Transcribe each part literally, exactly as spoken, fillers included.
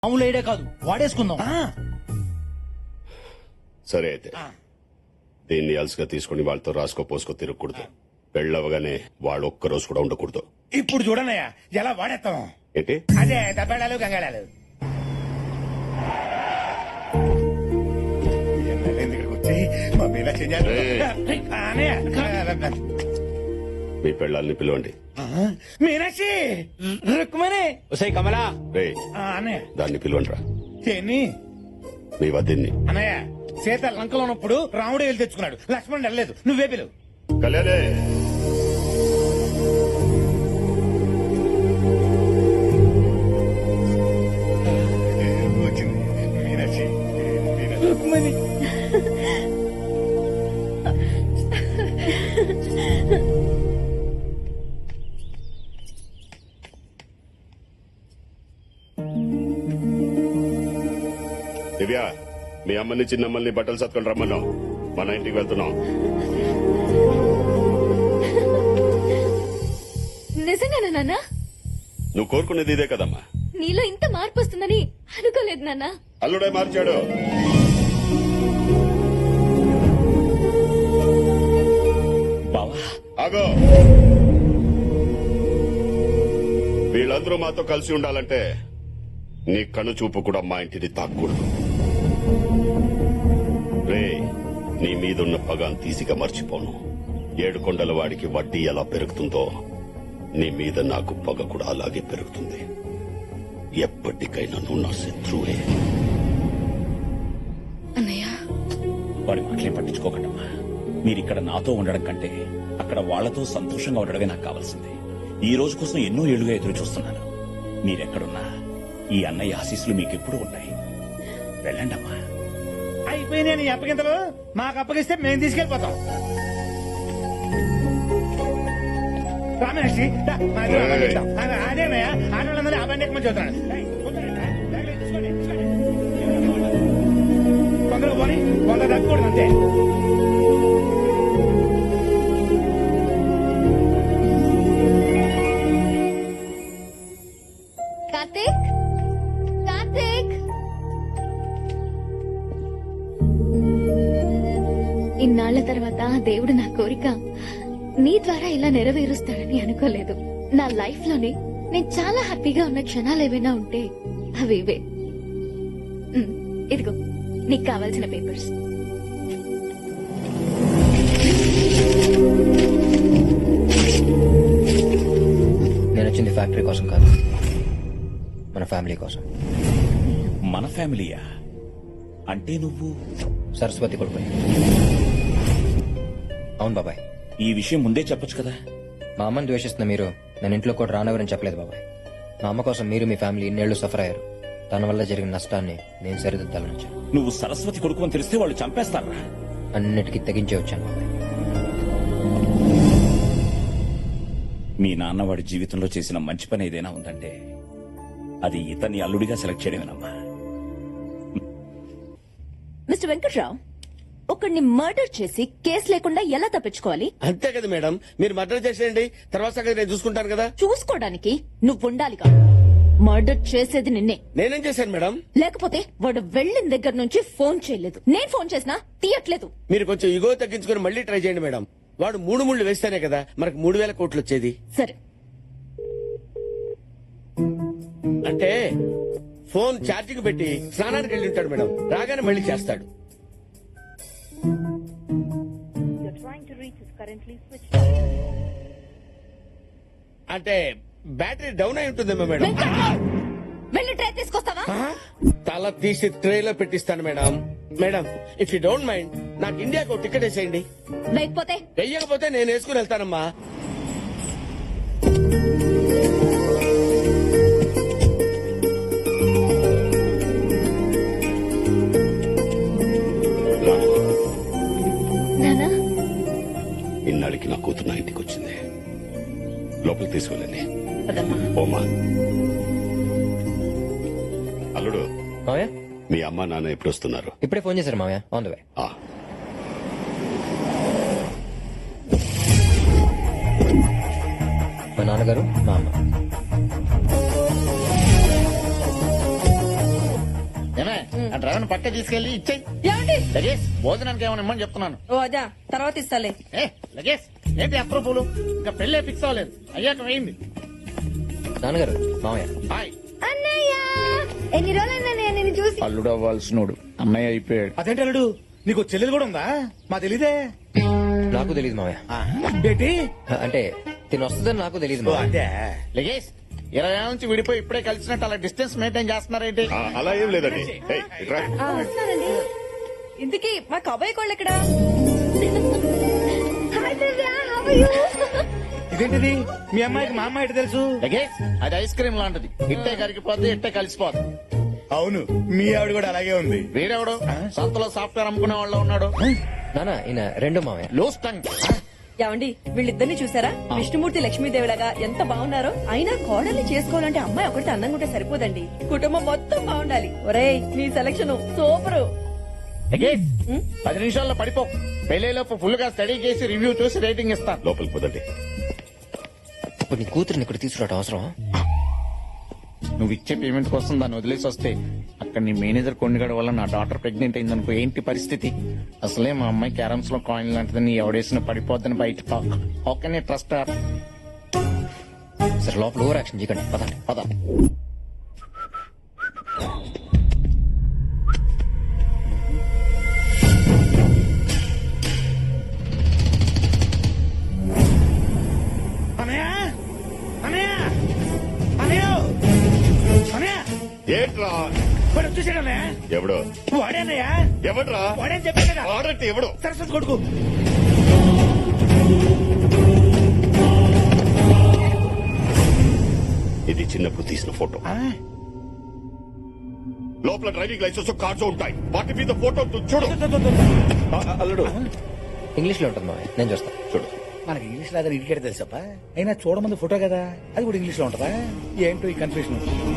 మామూలు ఐడియా కాదు, వాడేసుకుందాం. సరే అయితే దీన్ని అలసిగా తీసుకుని వాళ్ళతో రాసుకో పోసుకో తిరగకూడదు. పెళ్ళవగానే వాళ్ళు ఒక్క రోజు కూడా ఉండకూడదు. ఇప్పుడు చూడనయ్యా ఎలా వాడేస్తాం. ఏంటి అదే దబ్బేళాలు గంగాళాలు. ఇక్కడికి వచ్చి మా మీద మీ పెళ్ళాలని పిలవండి. మీనాక్షి రుక్మణి ఒసేయ్ కమలా, రే అన్నయ్య దాన్ని పిలవండి రా. ఏంటి మీ వద్దని అన్నయ్య సీత లంకలో ఉన్నప్పుడు రాముడు వెళ్ళి తెచ్చుకున్నాడు, లక్ష్మణుడు వెళ్ళలేదు, నువ్వే పిలువు. కళ్యాణే వచ్చింది మీనాక్షి. రుక్మణి దివ్య, మీ అమ్మని చిన్నమ్మల్ని బట్టలు సత్కొని రమ్మన్నాం. మన ఇంటికి వెళ్తున్నాం. నిజంగానా నాన్న? నువ్వు కోరుకునేది ఇదే కదమ్మా. నీలో ఇంత మార్పు వస్తుందని అనుకోలేదు నాన్న. అల్లుడే మార్చాడు. ఆగో, వీళ్ళందరూ మాతో కలిసి ఉండాలంటే నీ కను చూపు కూడా మా ఇంటిని తాక్కూడదు. రే, నీ మీదున్న పగాన్ తీసిగా మర్చిపోను. ఏడు కొండల వాడికి వడ్డీ ఎలా పెరుగుతుందో నీ మీద నాకు పగ కూడా అలాగే పెరుగుతుంది. ఎప్పటికైనా నువ్వు నా శత్రువే. అన్నయ్య, వాడి మాటలేం పట్టించుకోకండమ్మా. మీరిక్కడ నాతో ఉండడం కంటే అక్కడ వాళ్లతో సంతోషంగా ఉండడమే నాకు కావాల్సింది. ఈ రోజు కోసం ఎన్నో ఏళ్లుగా ఎదురు చూస్తున్నాను. మీరెక్కడున్నా ఈ అన్నయ్య ఆశీస్సులు మీకెప్పుడు ఉన్నాయి. వెళ్ళండమ్మా. అయిపోయినాయి నీ అప్పగింతలు. మాకు అప్పగిస్తే మేము తీసుకెళ్లిపోతాం. రామేషి అదేనయ్యా, ఆడవాళ్ళందరూ ఆ బండి ఎక్కువ చదువుతాను. కొందరు పోనీ కొందరు తగ్గకూడదు అంతే. కార్తీక్, కార్తీక్, ఇన్నాళ్ల తర్వాత దేవుడు నా కోరిక నీ ద్వారా ఇలా నెరవేరుస్తాడని అనుకోలేదు. నా లైఫ్ లోనే నేను చాలా హ్యాపీగా ఉన్న క్షణాలు ఏవైనా ఉంటే అవి ఇవే. ఉమ్, ఇదిగో నీకు కావాల్సిన పేపర్స్. నేను వచ్చింది ఫ్యాక్టరీ కోసం కాదు, మన ఫ్యామిలీ కోసం. మన ఫ్యామిలీయా? అంటే నువ్వు సరస్వతి కొడుకు. అవును బాబాయ్. ఈ విషయం ముందే చెప్పొచ్చు కదా. మా అమ్మని ద్వేషిస్తున్న మీరు నేను ఇంట్లో కూడా రానవరని చెప్పలేదు బాబాయ్. మా అమ్మ కోసం మీరు మీ ఫ్యామిలీ ఇన్నేళ్లు సఫర్ అయ్యారు. తన వల్ల జరిగిన నష్టాన్ని నేను సరిదిద్దాలని వచ్చాను. నువ్వు సరస్వతి కొడుకు అని తెలిస్తే వాళ్ళు చంపేస్తారా? అన్నిటికీ తెగించే వచ్చాను బాబాయ్. మీ నాన్న వాడి జీవితంలో చేసిన మంచి పని ఏదైనా ఉందంటే అది ఇతన్ని అల్లుడిగా సెలెక్ట్ చేయడమేనమ్మా. మిస్టర్ వెంకట్రావు, ఒకడిని మర్డర్ చేసి కేసు లేకుండా ఎలా తప్పించుకోవాలి? అంతే కదా మేడం, మీరు మర్డర్ చేసేయండి, తర్వాత సంగతి నేను చూసుకుంటాను కదా. చూసుకోవడానికి నువ్వు ఉండాలిగా. మర్డర్ చేసేది నిన్నే. నేనేం చేశాను మేడం? లేకపోతే వాడు వెళ్లిన దగ్గర నుంచి ఫోన్ చేయలేదు. నేను ఫోన్ చేసినా తీయట్లేదు. మీరు కొంచెం ఇగో తగ్గించుకుని మళ్ళీ ట్రై చేయండి మేడం. వాడు మూడు ముళ్ళు వేస్తేనే కదా మనకు మూడు వేల కోట్లు వచ్చేది. సరే, అంటే ఫోన్ ఛార్జింగ్ పెట్టి స్నానానికి వెళ్ళి ఉంటాడు మేడం, రాగానే మళ్ళీ చేస్తాడు. అంటే బ్యాటరీ డౌన్ అయి ఉంటుందేమో మేడం. వెంకట్రావు, వెళ్ళి ట్రై తీసుకొస్తావా? ఆ? తల తీసి ట్రేలో పెట్టిస్తాను madam. Madam, if you don't mind నాకు ఇండియాకు టికెట్ వేసేయండి. లేకపోతే వెయ్యకపోతే నేను వేసుకుని వెళ్తానమ్మా. నానా, ఇన్నాళ్ళకి నా కూతురు నా ఇంటికి వచ్చింది. లోపలికి తీసుకెళ్ళండి. పదమ్మా. ఓమా, అల్లుడు, మావయ్య మీ అమ్మ నాన్న ఎప్పుడు వస్తున్నారు? ఇప్పుడే ఫోన్ చేశారు మావయ్య, ఆన్ ద వే. ఆ, మా నాన్నగారు, మా అమ్మ. ఆ డ్రైవర్ పక్క తీసుకెళ్లి ఇచ్చేయి ఏమండి లగేజ్ భోజనానికి ఏమైనా ఇమ్మని చెప్తున్నాను. ఓ అదా తర్వాత ఇస్తాలే. ఏ లగేజ్ ఏంటి అప్రూపులు ఇంకా పెళ్ళే ఫిక్స్ అవ్వలేదు అయ్యాక వేయింది. నాన్నగారు మామయ్య హాయ్ అన్నయ్య ఎన్ని రోజులైనా నేను చూసి అల్లుడు అవ్వాల్సినోడు అన్నయ్య అయిపోయాడు. అదేంటి అల్లుడు నీకు చెల్లెలు కూడా ఉందా మా తెలీదే నాకు తెలియదు మామయ్య. ఆ, ఏంటి అంటే తిని వస్తుందని నాకు తెలియదు ఓ, మామయ్య. అదే లగేజ్ ఇరవై ఏళ్ళ నుంచి విడిపోయి ఇప్పుడే కలిసినట్టు అలా డిస్టెన్స్ మెయింటైన్ చేస్తున్నారేంటి? ఆ, అలా ఏం లేదండి ఏయ్, ఇట్రా. వస్తానండి. ఇంతకీ మా కబాయి కోళ్ళు ఎక్కడా? Hi Divya how are you ఇదేంటిది మీ అమ్మాయికి మా అమ్మాయి ఎటు తెలుసు లగేజ్ అది ఐస్ క్రీమ్ లాంటిది ఇట్టే కరిగిపోద్ది ఇట్టే కలిసిపోద్ది. అవును మీ ఆవిడ కూడా అలాగే ఉంది వీడెవడు సంతలో సాఫ్ట్వేర్ అమ్ముకునే వాళ్ళు ఉన్నాడు. నానా ఈయన రెండో మామయ్య. Loose tongue. ఏమండి వీళ్ళిద్దరిని చూసారా? విష్ణుమూర్తి లక్ష్మీదేవిలాగా ఎంత బాగున్నారో. అయినా కోడల్ని చేసుకోవాలంటే అమ్మాయి ఒకటి అందంగా ఉంటే సరిపోదండి, కుటుంబం మొత్తం బాగుండాలి. ఒరేయ్ నీ సెలక్షన్ సూపరు. లగేజ్ పది నిమిషాల్లో పడిపో. పెళ్లిలోపు ఫుల్ గా స్టడీ చేసి రివ్యూ చూసి రేటింగ్ ఇస్తాను. లోపలికి పోదండి. ఇప్పుడు నీ కూతురిని ఇక్కడ తీసుకురావడం అవసరం? నువ్వు ఇచ్చే పేమెంట్ కోసం దాన్ని వదిలేసి వస్తే అక్కడ నీ మేనేజర్ కొండగడ వల్ల నా డాటర్ ప్రెగ్నెంట్ అయిందనుకో ఏంటి పరిస్థితి? అసలే మా అమ్మాయి క్యారమ్స్ లో కాయిన్ లాంటిది నీ ఎవడేసిన పడిపోద్దని బయట talk. How can I trust her? సరే లోపల ఓవర్ యాక్షన్ చేయకండి పదండి. పద. అనయ్య అనయ్య అనయ్య అనయ్య ఏంట్రా వాడు వచ్చేసాడు అన్నయ్య. ఎవడు వాడేనయ్యా ఎవడ్రా వాడేని చెప్పే కదా ఆడంటే ఎవడు? సరస్వతి కొడుకు. ఇది చిన్నప్పుడు తీసిన ఫోటో. ఆ, లోపల డ్రైవింగ్ లైసెన్స్ కార్డ్స్ ఉంటాయి, వాటి మీద ఫోటో ఉంటుంది, చూడు. దో, దో, దో, దో. ఆ, ఆ, అల్లుడు ఇంగ్లీష్ లో ఉంటుంది మామయ్య, నేను చూస్తాను. చూడు. మనకి ఇంగ్లీష్ రాదని ఇడికేట తెలుసప్ప. అయినా చూడమంది ఫోటో కదా, అది కూడా ఇంగ్లీష్ లో ఉంటదా? ఏంటో ఈ కన్ఫ్యూషన్.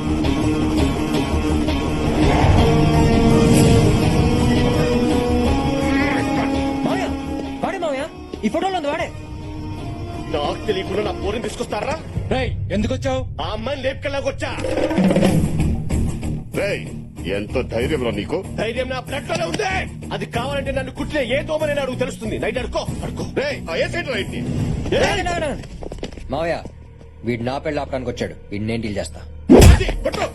మామయ్య వాడే మామయ్య, ఈ ఫోటోలో ఉంది వాడే. నాకు తెలియకుండా నా పోరిని తీసుకొస్తారా? ఎందుకు వచ్చావు? ఆ అమ్మాయిని లేపుకెళ్ళాకొచ్చా. రేయ్ ఎంతో ధైర్యం రా నీకు. ధైర్యం నా బ్లడ్ లోనే ఉంది. అది కావాలంటే నన్ను కుట్టిన ఏ దోమని నాకు తెలుస్తుంది. నైట్ అడుకో అడుకో. రేయ్ ఆ ఏ సైడ్ రైట్ ని? మావయ్య వీడు నా పెళ్లి ఆపడానికి వచ్చాడు, వీడిని నేను డీల్ చేస్తా. అది, కొట్టు.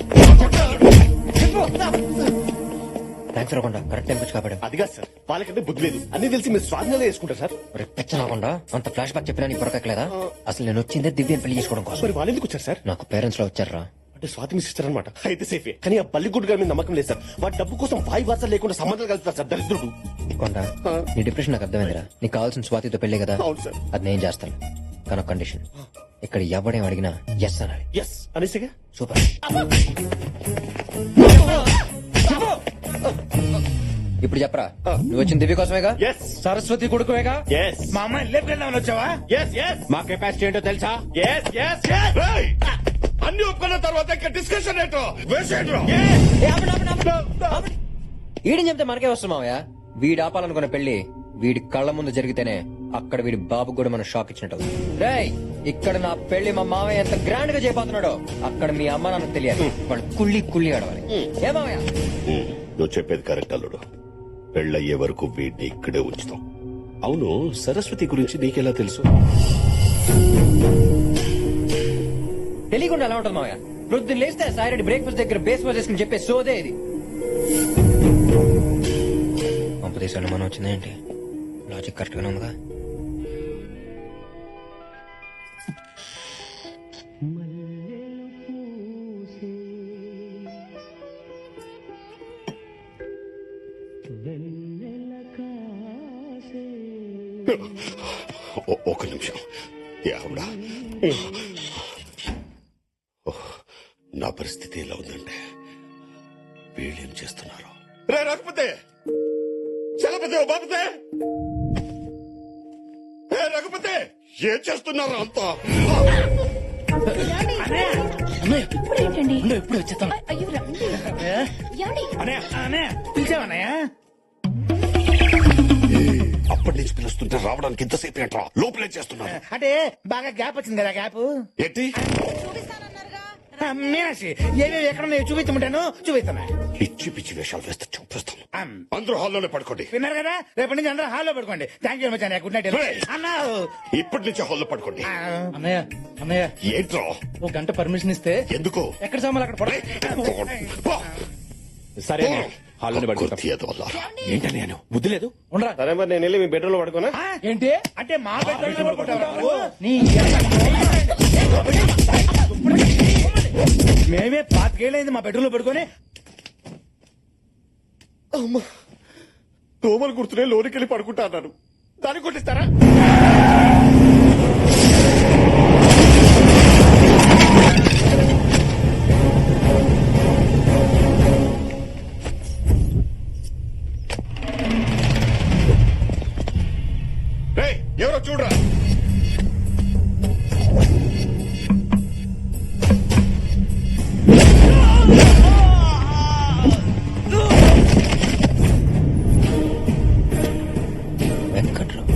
థ్యాంక్స్ రాకుండా కరెక్ట్ టైం వచ్చి కాపాడు. అదిగా సార్, వాళ్ళకంటే బుద్ధి లేదు. అన్ని తెలిసి మీరు స్వాధీనంలో వేసుకుంటారు సార్. పిచ్చ రాకుండా అంత ఫ్లాష్ బ్యాక్ చెప్పినా నీ పొరకట్లేదా? అసలు నేను వచ్చిందే దివ్యని పెళ్లి చేసుకోవడం కోసం. మరి వాళ్ళు ఎందుకు వచ్చారు సార్? నాకు పేరెంట్స్ లో వచ్చారా? అంటే స్వాతి మీ సిస్టర్ అనమాట. అయితే సేఫే. కానీ ఆ బల్లిగుడ్డు గారి మీద నమ్మకం లేదు సార్. వాడి డబ్బు కోసం వాయి వార్తలు లేకుండా సంబంధాలు కలుపుతారు సార్ దరిద్రుడు. కొండ నీ డిప్రెషన్ నాకు అర్థమైందిరా. నీకు కావాల్సిన స్వాతితో పెళ్లి కదా, అవును సార్. అది నేను చేస్తాను. కానీ కండిషన్, ఇక్కడ ఎవడేం అడిగినా ఎస్ అనాలి. ఎస్ అనేసిగా. సూపర్. ఇప్పుడు చెప్పరా, నువ్వు వచ్చిన దివ్య కోసమేగా? ఎస్ సరస్వతి కొడుకువేగా? ఎస్ మా అమ్మాయిని లేపుకెళ్దామని వచ్చావా? ఎస్ ఎస్ మా కెపాసిటీ ఏంటో తెలుసా? Yes yes yes. రేయ్ అన్ని ఒప్పుకున్న తర్వాత ఇంకా డిస్కషన్ ఏంటో వేసేయండిరా. వీడిని చెప్తే మనకే వస్తుంది మావయ్య. వీడు ఆపాలనుకున్న పెళ్లి వీడి కళ్ళ ముందు జరిగితేనే అక్కడ వీడి బాబు కూడా మనం షాక్ ఇచ్చినట్టు. రేయ్ ఇక్కడ నా పెళ్లి మా మావయ్య ఎంత గ్రాండ్ గా చేయబోతున్నాడో అక్కడ మీ అమ్మ నాన్నకు తెలియాలి. వాళ్ళు కుళ్ళి కుళ్ళి ఆడవాలి. ఏ మావయ్య? ఉమ్, నువ్వు చెప్పేది కరెక్ట్ అల్లుడు. పెళ్ళయ్యే వరకు వీడిని ఇక్కడే ఉంచుతాం. అవును, సరస్వతి గురించి నీకెలా తెలుసు? తెలియకుండా ఎలా ఉంటుంది మావయ్య? ప్రొద్దున లేస్తే సాయిరెడ్డి బ్రేక్ఫాస్ట్ దగ్గర బేస్ వాజ్ చేసుకుని చెప్పే సోదే ఇది. పంపదేశాలు మనం వచ్చిందేంటి? లాజిక్ కరెక్ట్ గానే ఉందిగా. ఓ- ఒక నిమిషం. యావుడా, నా పరిస్థితి ఎలా ఉందంటే వీళ్ళేం చేస్తున్నారు? రే రఘుపతి, చలపతి, ఓ బాపతే, ఏ రఘుపతి, ఏం చేస్తున్నారు అంతా? ఇప్పుడేంటండి? ఇప్పుడు వచ్చేస్తాం. అయ్యో రండి. ఏమండి? అనయ్య అనయ్య పిలిచావన్నయ్య? అప్పటి నుంచి పిలుస్తుంటే రావడానికి ఇంతసేపు ఏంట్రా? లోపలే చేస్తున్నారు అంటే బాగా గ్యాప్ వచ్చింది కదా గ్యాప్. ఏంటి? ఆ, మీనాక్షి ఏమేమి ఎక్కడ ఉన్నాయో చూపించమంటాను చూపిస్తాను పిచ్చి పిచ్చి వేషాలు వేస్తే చూపిస్తాను అందరూ హాల్లోనే పడుకోండి విన్నారు కదా రేపటి నుంచి అందరూ హాల్లో పడుకోండి థ్యాంక్ యూ మచ్ అన్నయ్య గుడ్ నైట్ Hey! అన్నా ఇప్పటి నుంచి హాల్లో పడుకోండి అన్నయ్య అన్నయ్య ఏంట్రా ఒక గంట పర్మిషన్ ఇస్తే ఎందుకు ఎక్కడ సామాన్లు అక్కడ పడ పో. సరే పో. హాల్లోనే పడుకుంటాం కుర్తీ ఎదవల్లారా. ఏంటని నేను బుద్ధి లేదు ఉండరా సరే మరి నేను వెళ్ళి మీ బెడ్రూమ్ లో పడుకోనా ఏంటి అంటే మా బెడ్రూమ్ లో పడుకుంటావా నువ్వు? నీ మేమే పాతికేళ్ళైంది మా బెడ్రూమ్ లో పడుకొని అమ్మా దోమలు గుర్తునే లోనికి వెళ్ళి పడుకుంటా అన్నాను దాన్ని కొట్టిస్తారా రేయ్, ఎవరో చూడరా వెంకట్రావు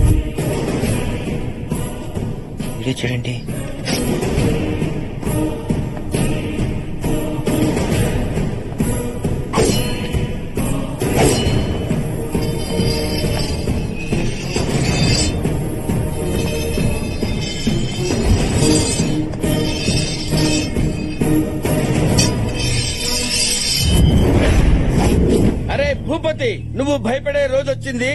వీడియో చూడండి. అరే భూపతి నువ్వు భయపడే రోజు వచ్చింది